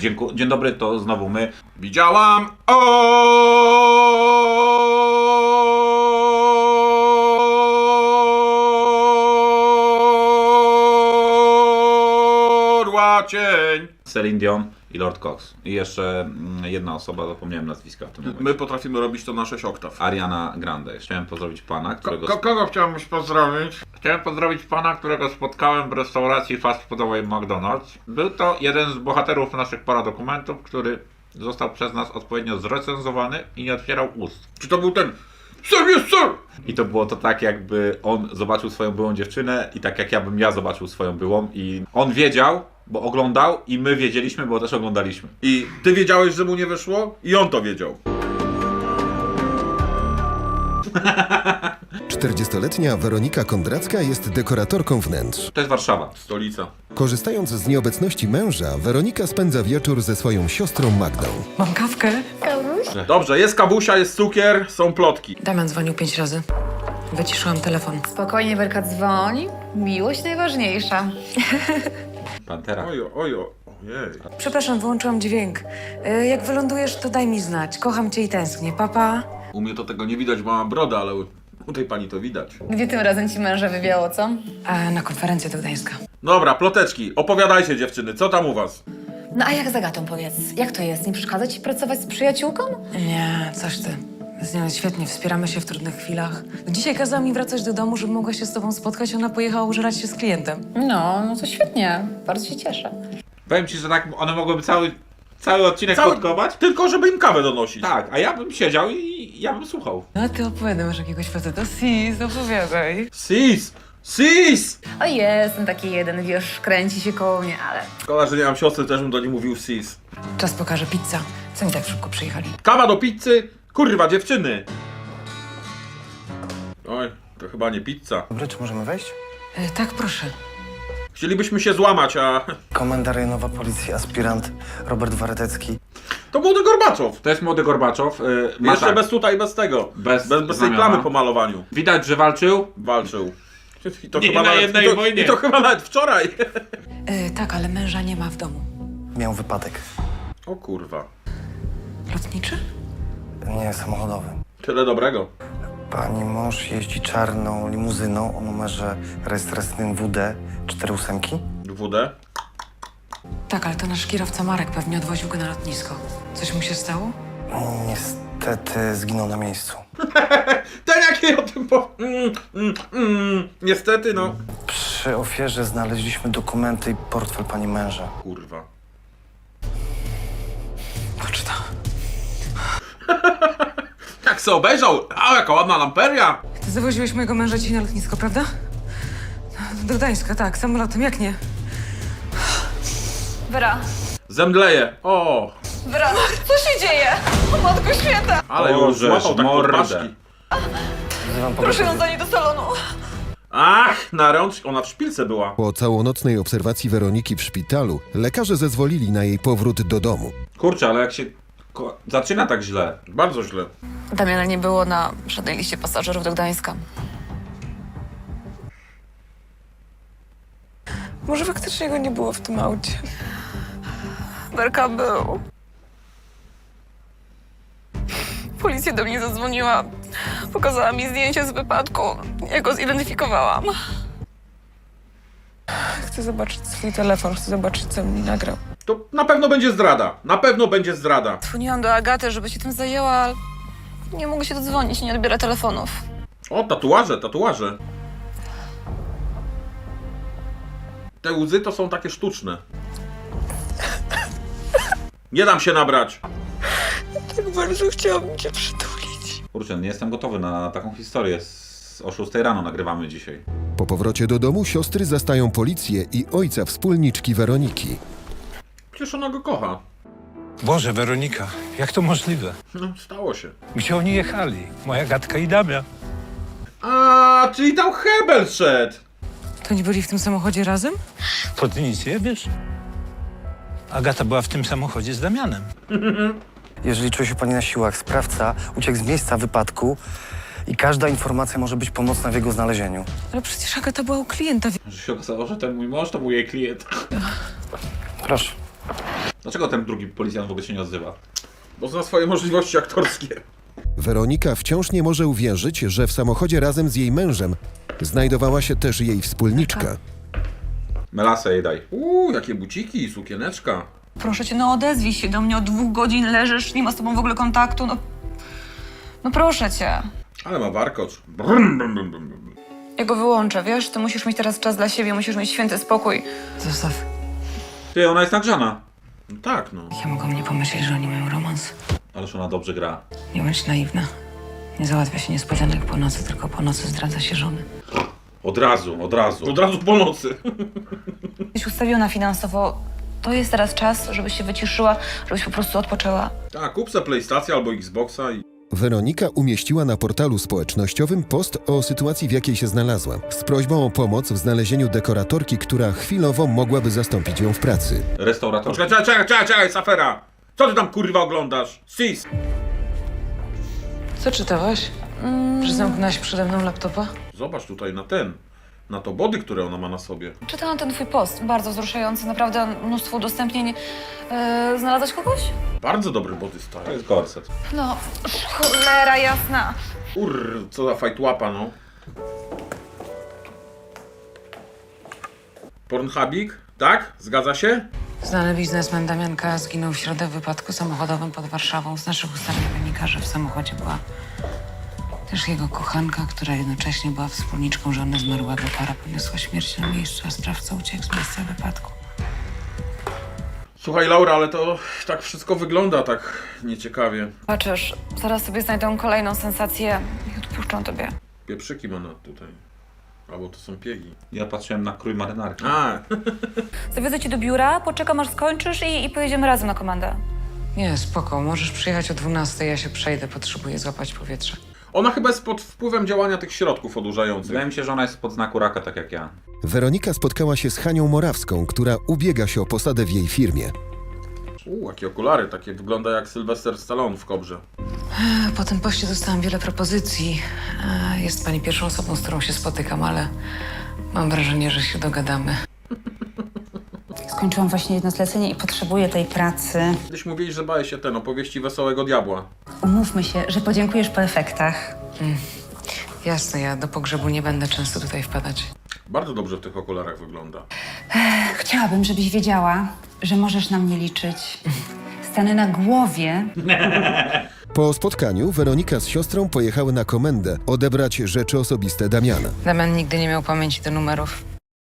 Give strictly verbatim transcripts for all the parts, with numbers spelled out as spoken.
Dzień, dzień dobry, to znowu my. Widziałam orła cień. Celine Dion i Lord Cox. I jeszcze jedna osoba, zapomniałem nazwiska w tym momencie. My potrafimy robić to na sześć oktaw. Ariana Grande. Chciałem pozdrowić pana, którego... Ko kogo chciałbyś pozdrowić? Chciałem pozdrowić pana, którego spotkałem w restauracji fast foodowej McDonald's. Był to jeden z bohaterów naszych paradokumentów, który został przez nas odpowiednio zrecenzowany i nie otwierał ust. Czy to był ten... Sir, yes, sir! I to było to tak, jakby on zobaczył swoją byłą dziewczynę i tak jak ja bym ja zobaczył swoją byłą i on wiedział, bo oglądał i my wiedzieliśmy, bo też oglądaliśmy. I ty wiedziałeś, że mu nie wyszło? I on to wiedział. czterdziestoletnia Weronika Kondracka jest dekoratorką wnętrz. To jest Warszawa. Stolica. Korzystając z nieobecności męża, Weronika spędza wieczór ze swoją siostrą Magdą. Mam kawkę? Dobrze, jest kabusia, jest cukier, są plotki. Damian dzwonił pięć razy. Wyciszyłam telefon. Spokojnie, Werka, dzwoń. Miłość najważniejsza. Pantera. Ojo, ojo, ojej. Przepraszam, wyłączyłam dźwięk. Y, Jak wylądujesz, to daj mi znać. Kocham cię i tęsknię. Papa. U mnie to tego nie widać, bo mam brodę, ale u, u tej pani to widać. Gdzie tym razem ci męża wywiało, co? A na konferencję do Gdańska. Dobra, ploteczki, opowiadajcie dziewczyny, co tam u was? No a jak z Agatą, powiedz? Jak to jest? Nie przeszkadza ci pracować z przyjaciółką? Nie, coś ty. Z nią jest świetnie, wspieramy się w trudnych chwilach. Dzisiaj kazała mi wracać do domu, żeby mogła się z tobą spotkać. Ona pojechała użerać się z klientem. No, no to świetnie. Bardzo się cieszę. Powiem ci, że tak one mogłyby cały, cały odcinek Cały- podkować. Tylko żeby im kawę donosić. Tak, a ja bym siedział i ja bym słuchał. No a ty opowiadaj, masz jakiegoś faceta. Sis, opowiadaj. Sis! Sis! O jest, ten taki jeden, wiesz, kręci się koło mnie, ale... Szkoda, że nie mam siostry, też bym do niej mówił sis. Czas pokaże pizza. Co oni tak szybko przyjechali? Kawa do pizzy? Kurwa, dziewczyny! Oj, to chyba nie pizza. Dobry, czy możemy wejść? Y, tak, proszę. Chcielibyśmy się złamać, a... Komenda rejonowa policji, aspirant Robert Waretecki. To młody Gorbaczow. To jest młody Gorbaczow. Yy, ma Jeszcze tak, bez tutaj, bez tego. Bez bez, bez tej znamiona. plamy po malowaniu. Widać, że walczył. Walczył. I to Nie chyba na nawet, jednej i to, wojnie. I to chyba nawet wczoraj. Y, tak, ale męża nie ma w domu. Miał wypadek. O kurwa. Lotniczy? Nie, samochodowy. Tyle dobrego. Pani mąż jeździ czarną limuzyną o numerze rejestracyjnym W D cztery ósemki. W D. Tak, ale to nasz kierowca Marek pewnie odwoził go na lotnisko. Coś mu się stało? Niestety zginął na miejscu. Ten jaki o tym po... Mm, mm, mm. Niestety, no. Przy ofierze znaleźliśmy dokumenty i portfel pani męża. Kurwa. Poczta. Jak se obejrzał? A, jaka ładna lamperia. Ty zawoziłeś mojego męża dzisiaj na lotnisko, prawda? Do Gdańska, tak, samolotem, jak nie? Wera, Zemdleje. O, Wera, co się dzieje? O Matko Święta! ale ją Boże, złapał tak pod mordę. paszki. Wzywam Proszę ją pogotowie. zanieść do salonu. Ach, na rączkę. Ona w szpilce była. Po całonocnej obserwacji Weroniki w szpitalu, lekarze zezwolili na jej powrót do domu. Kurczę, ale jak się ko- zaczyna tak źle. Bardzo źle. Damiana nie było na żadnej liście pasażerów do Gdańska. Może faktycznie go nie było w tym aucie. Werka był. Policja do mnie zadzwoniła. Pokazała mi zdjęcie z wypadku. Ja go zidentyfikowałam. Chcę zobaczyć swój telefon, chcę zobaczyć, co mi nagrał. To na pewno będzie zdrada. Na pewno będzie zdrada. Dzwoniłam do Agaty, żeby się tym zajęła, ale nie mogę się dodzwonić, nie odbiera telefonów. O, tatuaże, tatuaże. Te łzy to są takie sztuczne. Nie dam się nabrać. Tak bardzo chciałabym cię przytulić. Kurczę, nie jestem gotowy na taką historię. Z- O szóstej rano nagrywamy dzisiaj. Po powrocie do domu siostry zastają policję i ojca wspólniczki Weroniki. Przecież ona go kocha. Boże, Weronika, jak to możliwe? No, stało się. Gdzie oni jechali? Moja Gatka i Damian. A, czyli tam Hebel szedł. To nie byli w tym samochodzie razem? To ty nic nie wiesz? Agata była w tym samochodzie z Damianem. Jeżeli czuje się pani na siłach, sprawca uciekł z miejsca wypadku i każda informacja może być pomocna w jego znalezieniu. Ale przecież Agata była u klienta. Że się okazało, że ten mój mąż to był jej klient. Proszę. Dlaczego ten drugi policjant w ogóle się nie odzywa? Bo zna swoje możliwości aktorskie. Weronika wciąż nie może uwierzyć, że w samochodzie razem z jej mężem znajdowała się też jej wspólniczka. Melasę jej daj. Uuu, jakie buciki, sukieneczka. Proszę cię, no odezwij się do mnie. Od dwóch godzin leżysz, nie ma z tobą w ogóle kontaktu. No, no proszę cię. Ale ma warkocz. Brum, brum, brum, brum, brum. Ja go wyłączę, wiesz? Ty musisz mieć teraz czas dla siebie, musisz mieć święty spokój. Zostaw. Ty, ona jest nagrzana. No tak, no. Ja mogłam nie pomyśleć, że oni mają romans. Ależ ona dobrze gra. Nie bądź naiwna. Nie załatwia się niespodzianek po nocy, tylko po nocy zdradza się żony. Od razu, od razu. Od razu po nocy. Jesteś ustawiona finansowo. To jest teraz czas, żebyś się wyciszyła, żebyś po prostu odpoczęła. Tak, kup sobie PlayStation albo Xboxa i... Weronika umieściła na portalu społecznościowym post o sytuacji, w jakiej się znalazła, z prośbą o pomoc w znalezieniu dekoratorki, która chwilowo mogłaby zastąpić ją w pracy. Restaurator. Poczekaj, czekaj, czekaj, czekaj, czekaj, Safera! Co ty tam kurwa oglądasz? Sis! Co czytałaś? Że zamknęłaś przede mną laptopa? Zobacz tutaj na ten, na to body, które ona ma na sobie. Czytałam ten twój post, bardzo wzruszający, naprawdę mnóstwo udostępnień. Yy, znalazłaś kogoś? Bardzo dobry body style. To jest korset. No, cholera jasna. Urr, co za fajtłapa, no. Pornhubik? Tak? Zgadza się? Znany biznesmen Damian K. zginął w środę w wypadku samochodowym pod Warszawą. Z naszych ustaleń wynika, że w samochodzie była też jego kochanka, która jednocześnie była wspólniczką żony zmarłego. Para poniosła śmierć na miejscu, a sprawca uciekł z miejsca wypadku. Słuchaj, Laura, ale to tak wszystko wygląda tak nieciekawie. Patrzysz, zaraz sobie znajdą kolejną sensację i odpuszczą tobie. Pieprzyki ma na tutaj. Albo to są piegi. Ja patrzyłem na krój marynarki. A, Zawiozę cię do biura, poczekam aż skończysz i, i pojedziemy razem na komendę. Nie, spoko. Możesz przyjechać o dwunastej, ja się przejdę. Potrzebuję złapać powietrze. ona chyba jest pod wpływem działania tych środków odurzających. Wydaje mi się, że ona jest pod znaku raka, tak jak ja. Weronika spotkała się z Hanią Morawską, która ubiega się o posadę w jej firmie. Uuu, jakie okulary, takie wygląda jak Sylwester Stallone w Kobrze. Po tym poście dostałam wiele propozycji. E, Jest pani pierwszą osobą, z którą się spotykam, ale mam wrażenie, że się dogadamy. Skończyłam właśnie jedno zlecenie i potrzebuję tej pracy. Kiedyś mówili, że bałeś się ten opowieści Wesołego Diabła. Umówmy się, że podziękujesz po efektach. Jasne, ja do pogrzebu nie będę często tutaj wpadać. Bardzo dobrze w tych okularach wygląda. Chciałabym, żebyś wiedziała, że możesz na mnie liczyć. Stanę na głowie. Po spotkaniu Weronika z siostrą pojechały na komendę odebrać rzeczy osobiste Damiana. Damian nigdy nie miał pamięci do numerów.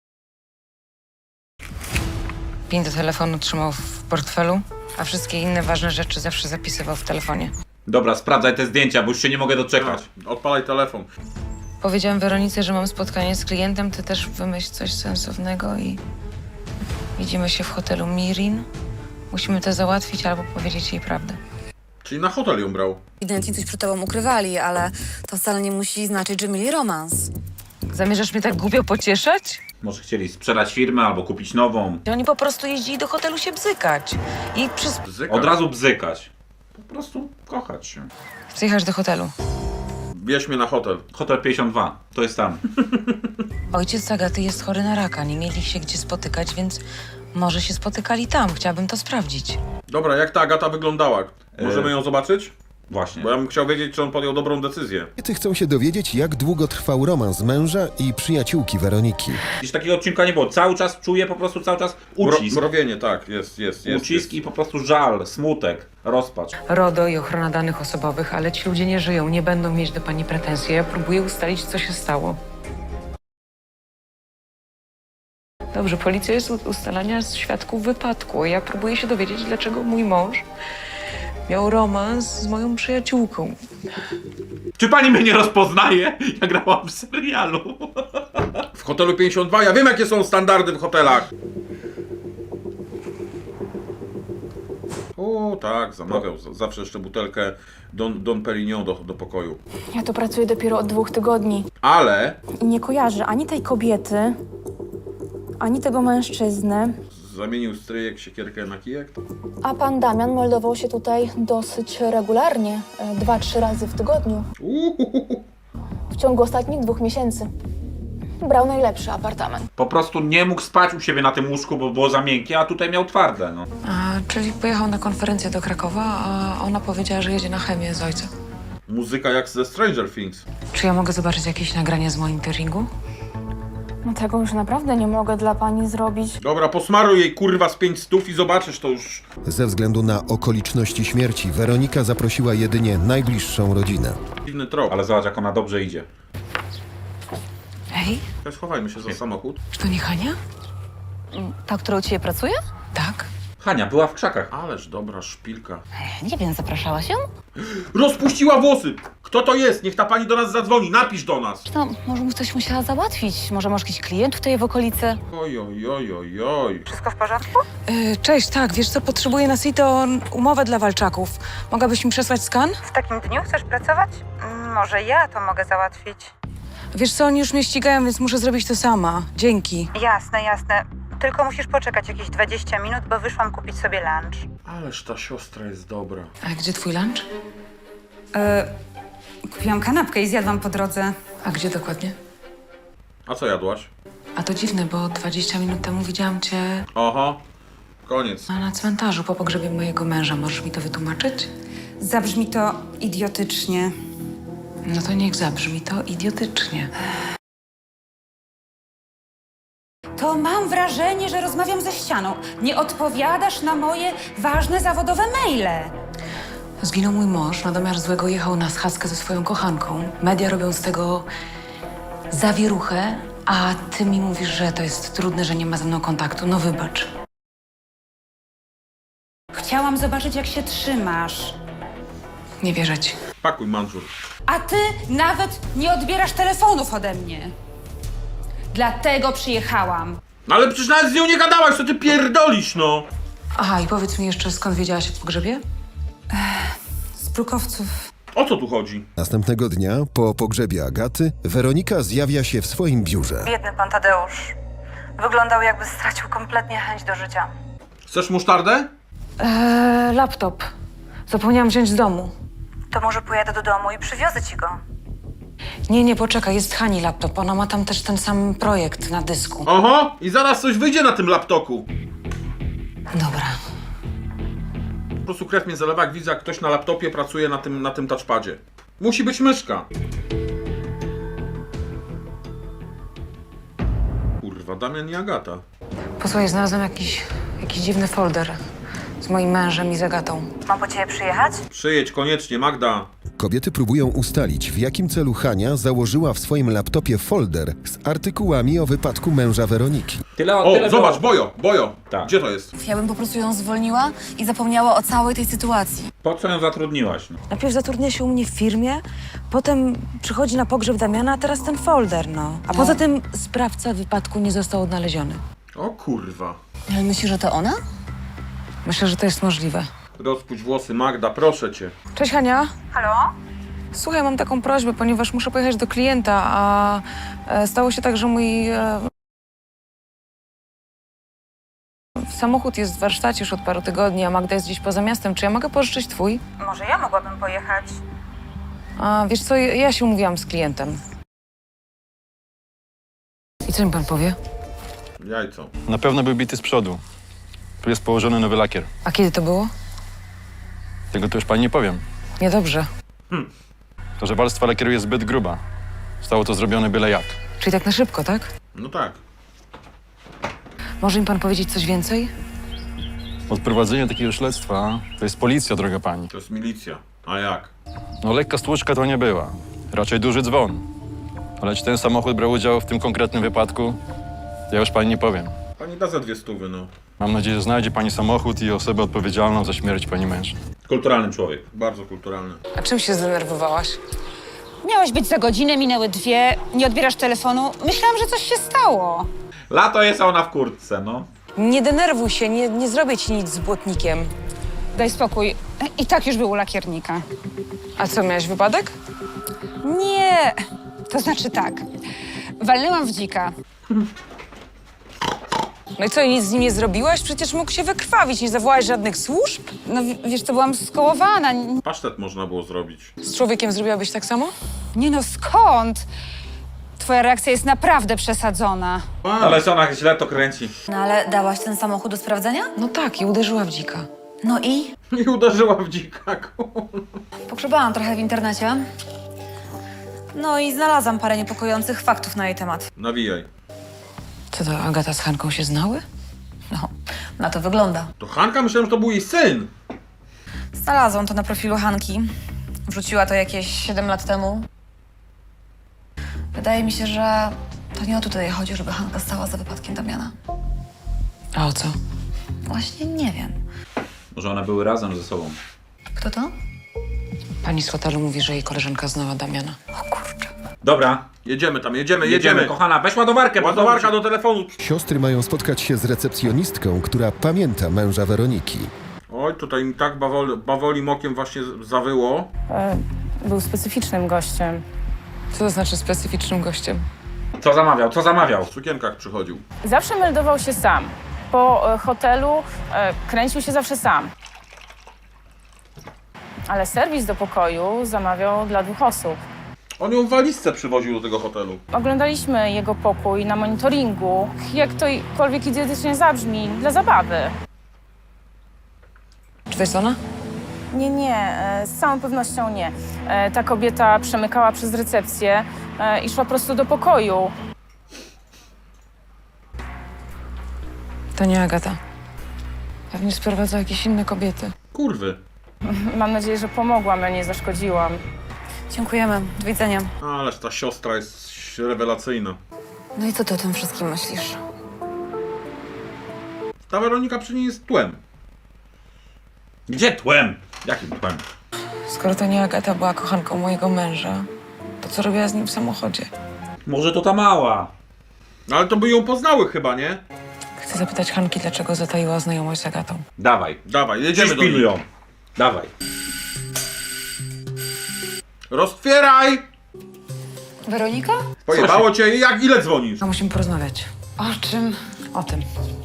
Pin do telefonu trzymał w portfelu, a wszystkie inne ważne rzeczy zawsze zapisywał w telefonie. Dobra, sprawdzaj te zdjęcia, bo już się nie mogę doczekać. A, odpalaj telefon. Powiedziałam Weronice, że mam spotkanie z klientem, ty też wymyśl coś sensownego i widzimy się w hotelu Mirin. Musimy to załatwić albo powiedzieć jej prawdę. Czyli na hotel ją brał. Ewidentnie coś przed tobą ukrywali, ale to wcale nie musi znaczyć, że mieli romans. Zamierzasz mnie tak głupio pocieszać? Może chcieli sprzedać firmę albo kupić nową. Oni po prostu jeździli do hotelu się bzykać. I przez... Bzyka. Od razu bzykać. Po prostu kochać się. Chcę jechać do hotelu. Bierz mnie na hotel. Hotel pięćdziesiąt dwa, to jest tam. Ojciec Agaty jest chory na raka, nie mieli się gdzie spotykać, więc może się spotykali tam. Chciałabym to sprawdzić. Dobra, jak ta Agata wyglądała? Możemy E, ją zobaczyć? Właśnie. Bo ja bym chciał wiedzieć, czy on podjął dobrą decyzję. Kobiety chcą się dowiedzieć, jak długo trwał romans męża i przyjaciółki Weroniki. Dziś takiego odcinka nie było. Cały czas czuję po prostu cały czas Mro, ucisk. mrowienie, tak, jest, jest, jest. Ucisk jest. i po prostu żal, smutek, rozpacz. RODO i ochrona danych osobowych, ale ci ludzie nie żyją, nie będą mieć do pani pretensji. Ja próbuję ustalić, co się stało. Dobrze, policja jest od ustalania świadków wypadku. Ja próbuję się dowiedzieć, dlaczego mój mąż miał romans z moją przyjaciółką. Czy pani mnie nie rozpoznaje? Ja grałam w serialu. W hotelu pięćdziesiąt dwa, ja wiem, jakie są standardy w hotelach. O, tak, zamawiał z- zawsze jeszcze butelkę Don, Don Perignon do, do pokoju. Ja tu pracuję dopiero od dwóch tygodni Ale i nie kojarzę ani tej kobiety, ani tego mężczyzny. zamienił stryjek siekierkę na kijek. A pan Damian meldował się tutaj dosyć regularnie, e, dwa, trzy razy w tygodniu, Uhuhu. w ciągu ostatnich dwóch miesięcy. Brał najlepszy apartament. Po prostu nie mógł spać u siebie na tym łóżku, bo było za miękkie, a tutaj miał twarde, no. A czyli pojechał na konferencję do Krakowa, a ona powiedziała, że jedzie na chemię z ojcem. Muzyka jak ze Stranger Things. Czy ja mogę zobaczyć jakieś nagranie z monitoringu? No tego już naprawdę nie mogę dla pani zrobić. Dobra, posmaruj jej kurwa z pięć stów i zobaczysz to już. Ze względu na okoliczności śmierci Weronika zaprosiła jedynie najbliższą rodzinę. Dziwny trop. Ale zobacz, jak ona dobrze idzie. Hej, Schowajmy się za samochód. czy to nie Hania? Ta, która u ciebie pracuje? Tak. Hania była w krzakach. Ależ dobra szpilka. Nie wiem, zapraszałaś ją? Rozpuściła włosy! Kto to jest? Niech ta pani do nas zadzwoni, napisz do nas! No, może mu coś musiała załatwić. Może masz jakiś klient tutaj w okolicy? Oj, oj, oj, oj, oj. Wszystko w porządku? Yy, cześć, tak, wiesz co, potrzebuję na Sito umowę dla walczaków. Mogłabyś mi przesłać skan? W takim dniu chcesz pracować? Mm, Może ja to mogę załatwić. Wiesz co, oni już mnie ścigają, więc muszę zrobić to sama. Dzięki. Jasne, jasne. Tylko musisz poczekać jakieś dwadzieścia minut, bo wyszłam kupić sobie lunch. Ależ ta siostra jest dobra. A gdzie twój lunch? E, kupiłam kanapkę i zjadłam po drodze. A gdzie dokładnie? A co jadłaś? A to dziwne, bo dwadzieścia minut temu widziałam cię Oho, koniec. na cmentarzu po pogrzebie mojego męża. Możesz mi to wytłumaczyć? Zabrzmi to idiotycznie. No to niech zabrzmi to idiotycznie. To mam wrażenie, że rozmawiam ze ścianą. Nie odpowiadasz na moje ważne zawodowe maile. Zginął mój mąż, na domiar złego jechał na schadzkę ze swoją kochanką. Media robią z tego zawieruchę, a ty mi mówisz, że to jest trudne, że nie ma ze mną kontaktu. No wybacz. Chciałam zobaczyć, jak się trzymasz. Nie wierzę ci. Pakuj manżur. A ty nawet nie odbierasz telefonów ode mnie. Dlatego przyjechałam. No ale przecież nawet z nią nie gadałaś, co ty pierdolisz, no! Aha, i powiedz mi jeszcze, skąd wiedziałaś o pogrzebie? Z brukowców. O co tu chodzi? Następnego dnia, po pogrzebie Agaty, Weronika zjawia się w swoim biurze. Biedny pan Tadeusz. Wyglądał, jakby stracił kompletnie chęć do życia. Chcesz musztardę? Eee, laptop. Zapomniałam wziąć z domu. To może pojadę do domu i przywiozę ci go. Nie, nie, poczekaj, jest Hani laptop. Ona ma tam też ten sam projekt na dysku. Oho, i zaraz coś wyjdzie na tym laptopu. Dobra. Po prostu krew mnie zalewa, jak widzę, jak ktoś na laptopie pracuje na tym, na tym touchpadzie. Musi być myszka. Kurwa, Damian i Agata. Posłuchaj, znalazłam jakiś, jakiś dziwny folder z moim mężem i z Agatą. Mam po ciebie przyjechać? Przyjedź koniecznie, Magda. Kobiety próbują ustalić, w jakim celu Hania założyła w swoim laptopie folder z artykułami o wypadku męża Weroniki. Tyle, O, tyle zobacz, Bojo, Bojo. Tak. Gdzie to jest? Ja bym po prostu ją zwolniła i zapomniała o całej tej sytuacji. Po co ją zatrudniłaś? No? Najpierw zatrudnia się u mnie w firmie, potem przychodzi na pogrzeb Damiana, a teraz ten folder, no. A poza tym sprawca wypadku nie został odnaleziony. O kurwa. Ale myślisz, że to ona? Myślę, że to jest możliwe. Rozpuść włosy, Magda, proszę cię. Cześć, Hania. Halo? Słuchaj, mam taką prośbę, ponieważ muszę pojechać do klienta, a e, stało się tak, że mój e, samochód jest w warsztacie już od paru tygodni, a Magda jest gdzieś poza miastem. Czy ja mogę pożyczyć twój? Może ja mogłabym pojechać? A wiesz co, ja ja się umówiłam z klientem. I co mi pan powie? Jajco. Na pewno był bity z przodu. Tu jest położony nowy lakier. A kiedy to było? Tego to już pani nie powiem. Niedobrze. To, że warstwa lakieru jest zbyt gruba. Zostało to zrobione byle jak. Czyli tak na szybko, tak? No tak. Może mi pan powiedzieć coś więcej? Odprowadzenie takiego śledztwa to jest policja, droga pani. To jest milicja. A jak? No lekka stłuczka to nie była. Raczej duży dzwon. Ale czy ten samochód brał udział w tym konkretnym wypadku? Ja już pani nie powiem. Pani da za dwie stówy, no. Mam nadzieję, że znajdzie pani samochód i osobę odpowiedzialną za śmierć pani męża. Kulturalny człowiek. Bardzo kulturalny. A czym się zdenerwowałaś? Miałeś być za godzinę, minęły dwie, nie odbierasz telefonu. Myślałam, że coś się stało. Lato jest, a ona w kurtce, no. Nie denerwuj się, nie, nie zrobię ci nic z błotnikiem. Daj spokój. I tak już był u lakiernika. A co, miałeś wypadek? Nie, to znaczy tak. Walnęłam w dzika. No i co, nic z nim nie zrobiłaś? Przecież mógł się wykrwawić, nie zawołałaś żadnych służb? No w- wiesz, to byłam skołowana. Pasztet można było zrobić. Z człowiekiem zrobiłabyś tak samo? Nie no, skąd? Twoja reakcja jest naprawdę przesadzona. Ale ona źle to kręci. No ale dałaś ten samochód do sprawdzenia? No tak, i uderzyła w dzika. No i? I uderzyła w dzika. Pogrzebałam trochę w internecie. No i znalazłam parę niepokojących faktów na jej temat. Nawijaj. Co to, Agata z Hanką się znały? No, na to wygląda. To Hanka? Myślałem, że to był jej syn. Znalazłam to na profilu Hanki. Wrzuciła to jakieś siedem lat temu. Wydaje mi się, że to nie o tutaj chodzi, żeby Hanka stała za wypadkiem Damiana. A o co? Właśnie nie wiem. Może one były razem ze sobą. Kto to? Pani z hotelu mówi, że jej koleżanka znała Damiana. O kurczę. Dobra, Jedziemy tam, jedziemy, jedziemy, jedziemy. kochana, weź ładowarkę, bo Ładowarka do telefonu. Siostry mają spotkać się z recepcjonistką, która pamięta męża Weroniki. Oj, tutaj mi tak bawoli, bawolim okiem właśnie zawyło. Był specyficznym gościem. Co to znaczy specyficznym gościem? Co zamawiał, co zamawiał? W sukienkach przychodził. Zawsze meldował się sam. Po e, hotelu e, kręcił się zawsze sam. Ale serwis do pokoju zamawiał dla dwóch osób. On ją w walizce przywoził do tego hotelu. Oglądaliśmy jego pokój na monitoringu. Jak tokolwiek idiotycznie zabrzmi, dla zabawy. Czy to jest ona? Nie, nie, e, z całą pewnością nie. E, ta kobieta przemykała przez recepcję e, i szła prosto do pokoju. To nie Agata. Pewnie sprowadza jakieś inne kobiety. Kurwy. Mam nadzieję, że pomogłam, a nie zaszkodziłam. Dziękujemy. Do widzenia. Ależ ta siostra jest rewelacyjna. No i co ty o tym wszystkim myślisz? Ta Weronika przy niej jest tłem. Gdzie tłem? Jakim tłem? Skoro to nie Agata była kochanką mojego męża, to co robiła z nim w samochodzie? Może to ta mała. No ale to by ją poznały chyba, nie? Chcę zapytać Hanki, dlaczego zataiła znajomość z Agatą. Dawaj, Dawaj, jedziemy do pilnuj niej. ją. Dawaj. Roztwieraj! Weronika? Pojebało cię i jak ile dzwonisz? A musimy porozmawiać. O czym? O tym.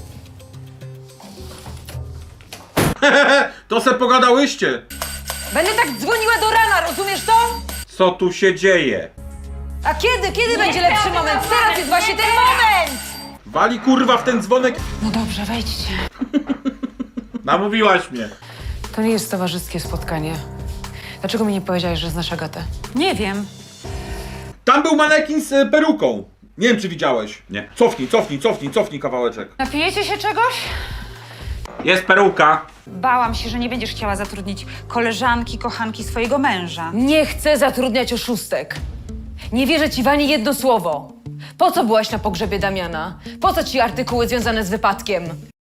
To se pogadałyście. Będę tak dzwoniła do rana, rozumiesz to? Co tu się dzieje? A kiedy? Kiedy będzie lepszy moment? Teraz jest właśnie ten moment! Wali kurwa w ten dzwonek. No dobrze, wejdźcie. Namówiłaś mnie. To nie jest towarzyskie spotkanie. Dlaczego mi nie powiedziałeś, że znasz Agatę? Nie wiem. Tam był manekin z e, peruką. Nie wiem, czy widziałeś. Nie. Cofnij, cofnij, cofnij, cofnij kawałeczek. Napijecie się czegoś? Jest peruka. Bałam się, że nie będziesz chciała zatrudnić koleżanki, kochanki swojego męża. Nie chcę zatrudniać oszustek. Nie wierzę ci w ani jedno słowo. Po co byłaś na pogrzebie Damiana? Po co ci artykuły związane z wypadkiem?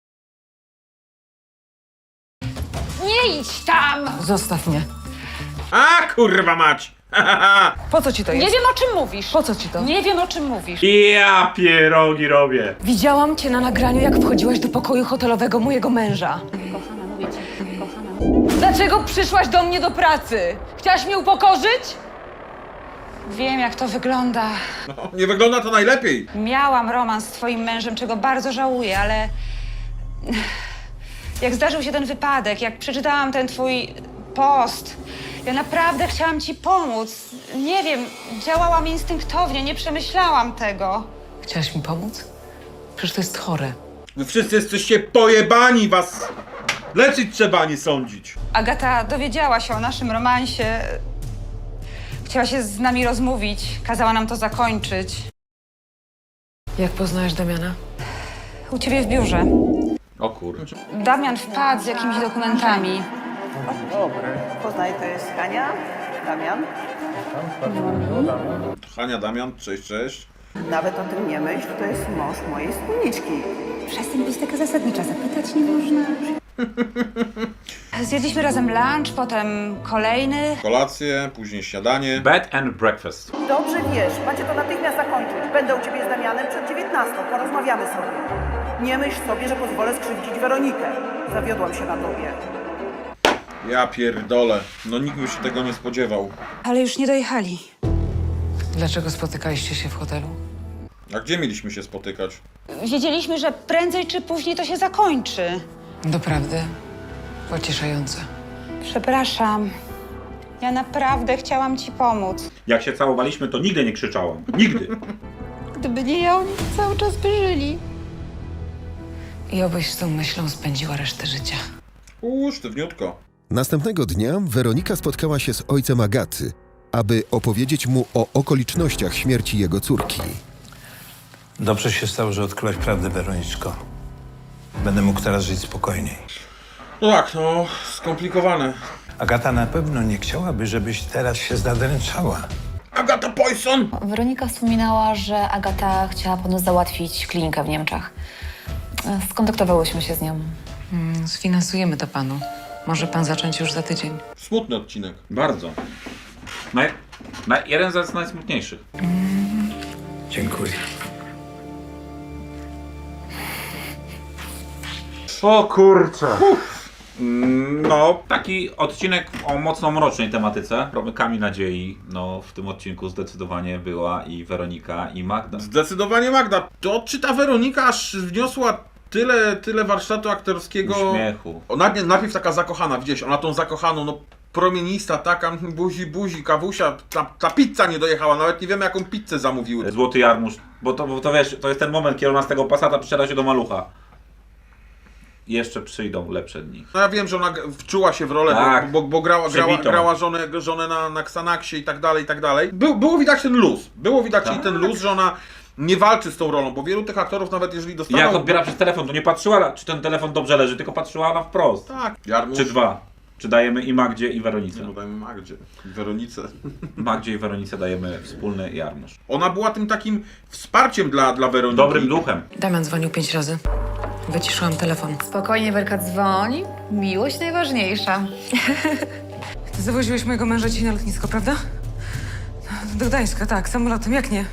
Nie idź tam! Zostaw mnie. A kurwa mać! Po co ci to jest? Nie wiem, o czym mówisz. Po co ci to? Nie wiem, o czym mówisz. Ja pierogi robię. Widziałam cię na nagraniu, jak wchodziłaś do pokoju hotelowego mojego męża. Kochana, mówię ci, kochana. Dlaczego przyszłaś do mnie do pracy? Chciałaś mnie upokorzyć? Wiem, jak to wygląda. No, nie wygląda to najlepiej. Miałam romans z twoim mężem, czego bardzo żałuję, ale... Jak zdarzył się ten wypadek, jak przeczytałam ten twój post, ja naprawdę chciałam ci pomóc. Nie wiem, działałam instynktownie, nie przemyślałam tego. Chciałaś mi pomóc? Przecież to jest chore. Wy wszyscy jesteście pojebani, was leczyć trzeba, a nie sądzić. Agata dowiedziała się o naszym romansie. Chciała się z nami rozmówić, kazała nam to zakończyć. Jak poznałeś Damiana? U ciebie w biurze. O kur... Damian wpadł z jakimiś dokumentami. Poznaj, to jest Hania, Damian. Hania, Damian, cześć, cześć. Nawet o tym nie myśl, to jest mąż mojej wspólniczki. Przestań być taka zasadnicza, zapytać nie można. Zjedliśmy razem lunch, potem kolejny. Kolację, później śniadanie. Bed and breakfast. Dobrze wiesz, macie to natychmiast zakończyć. Będę u ciebie z Damianem przed dziewiętnastą, porozmawiamy sobie. Nie myśl sobie, że pozwolę skrzywdzić Weronikę. Zawiodłam się na tobie. Ja pierdolę. No nikt by się tego nie spodziewał. Ale już nie dojechali. Dlaczego spotykaliście się w hotelu? A gdzie mieliśmy się spotykać? Wiedzieliśmy, że prędzej czy później to się zakończy. Doprawdy pocieszające. Przepraszam. Ja naprawdę chciałam ci pomóc. Jak się całowaliśmy, to nigdy nie krzyczałam. Nigdy. Gdyby nie ja, oni cały czas by żyli. I obyś z tą myślą spędziła resztę życia. Uuu, sztywniutko. Następnego dnia Weronika spotkała się z ojcem Agaty, aby opowiedzieć mu o okolicznościach śmierci jego córki. Dobrze się stało, że odkryłaś prawdę, Weroniczko. Będę mógł teraz żyć spokojniej. No tak, no, skomplikowane. Agata na pewno nie chciałaby, żebyś teraz się zadręczała. Agata Poison! Weronika wspominała, że Agata chciała ponoć załatwić klinikę w Niemczech. E, Skontaktowałyśmy się z nią. Mm, sfinansujemy to panu. Może pan zacząć już za tydzień. Smutny odcinek. Bardzo. Naj, naj, jeden z najsmutniejszych. Dziękuję. O kurczę. No, taki odcinek o mocno mrocznej tematyce. Promykami nadziei. No, w tym odcinku zdecydowanie była i Weronika, i Magda. Zdecydowanie Magda. To czy ta Weronika aż wniosła tyle, tyle warsztatu aktorskiego? Uśmiechu. O, najpierw, najpierw taka zakochana, widziałeś, ona tą zakochaną, no promienista, taka buzi, buzi, kawusia, ta, ta pizza nie dojechała, nawet nie wiemy jaką pizzę zamówiły. Złoty jarmuż. Bo to, bo to wiesz, to jest ten moment, kiedy ona z tego Passata przesiada się do malucha. Jeszcze przyjdą lepsze dni. No ja wiem, że ona g- wczuła się w rolę, Tak. bo, bo, bo grała, grała, Przebitą. grała żonę, żonę na, na Xanaxie i tak dalej, i tak dalej. Był, było widać ten luz, było widać Tak. jej ten luz, że ona nie walczy z tą rolą, bo wielu tych aktorów nawet jeżeli dostaną... Jak odbiera przez telefon, to nie patrzyła, czy ten telefon dobrze leży, tylko patrzyła na wprost. Tak, Jarmuż. Czy dwa. Czy dajemy i Magdzie, i Weronice. No dajmy Magdzie, Weronice. Magdzie i Weronice dajemy wspólny jarmuż. Ona była tym takim wsparciem dla, dla Weroniki. Dobrym duchem. Damian dzwonił pięć razy. Wyciszyłam telefon. Spokojnie, Werka, dzwoń. Miłość najważniejsza. Ty zawoziłeś mojego męża dzisiaj na lotnisko, prawda? Do Gdańska, tak, samolotem, jak nie?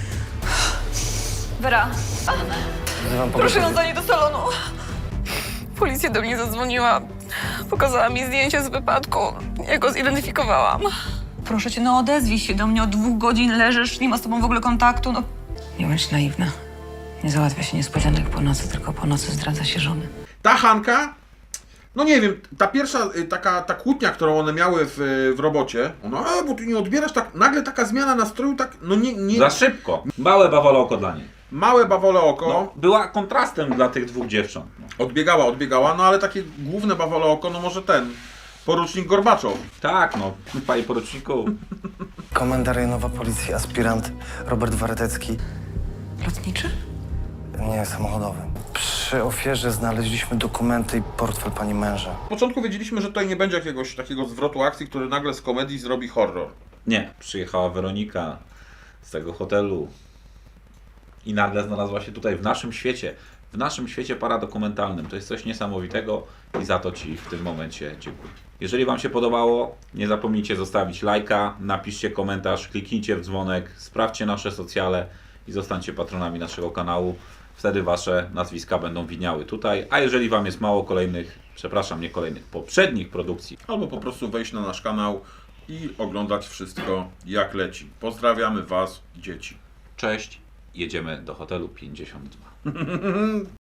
Wera, Wzywam proszę ją pogotowie. zanieść do salonu. Policja do mnie zadzwoniła. Pokazała mi zdjęcie z wypadku. Ja go zidentyfikowałam. Proszę cię, no odezwij się do mnie. Od dwóch godzin leżysz, nie ma z tobą w ogóle kontaktu. No, Nie bądź naiwna. Nie załatwia się niespodzianek po nocy, tylko po nocy zdradza się żony. Ta Hanka, no nie wiem, ta pierwsza y, taka ta kłótnia, którą one miały w, y, w robocie, ona, a, bo ty nie odbierasz, tak nagle taka zmiana nastroju, tak, no nie, nie Za szybko. Małe bawole oko dla niej. małe bawole oko, No, była kontrastem dla tych dwóch dziewcząt. odbiegała, odbiegała, no ale takie główne bawole oko, no może ten, porucznik Gorbaczow. Tak, no, panie poruczniku. Komenda rejonowa policji, aspirant Robert Waretecki. Lotniczy? Nie, samochodowy. Przy ofierze znaleźliśmy dokumenty i portfel pani męża. W początku wiedzieliśmy, że tutaj nie będzie jakiegoś takiego zwrotu akcji, który nagle z komedii zrobi horror. Nie, przyjechała Weronika z tego hotelu i nagle znalazła się tutaj w naszym świecie. W naszym świecie paradokumentalnym. To jest coś niesamowitego i za to Ci w tym momencie dziękuję. Jeżeli Wam się podobało, nie zapomnijcie zostawić lajka, napiszcie komentarz, kliknijcie w dzwonek, sprawdźcie nasze socjale i zostańcie patronami naszego kanału. Wtedy Wasze nazwiska będą widniały tutaj. A jeżeli Wam jest mało kolejnych, przepraszam, nie kolejnych, poprzednich produkcji, Albo po prostu wejść na nasz kanał i oglądać wszystko jak leci. Pozdrawiamy Was, dzieci. cześć, jedziemy do hotelu pięćdziesiąt dwa.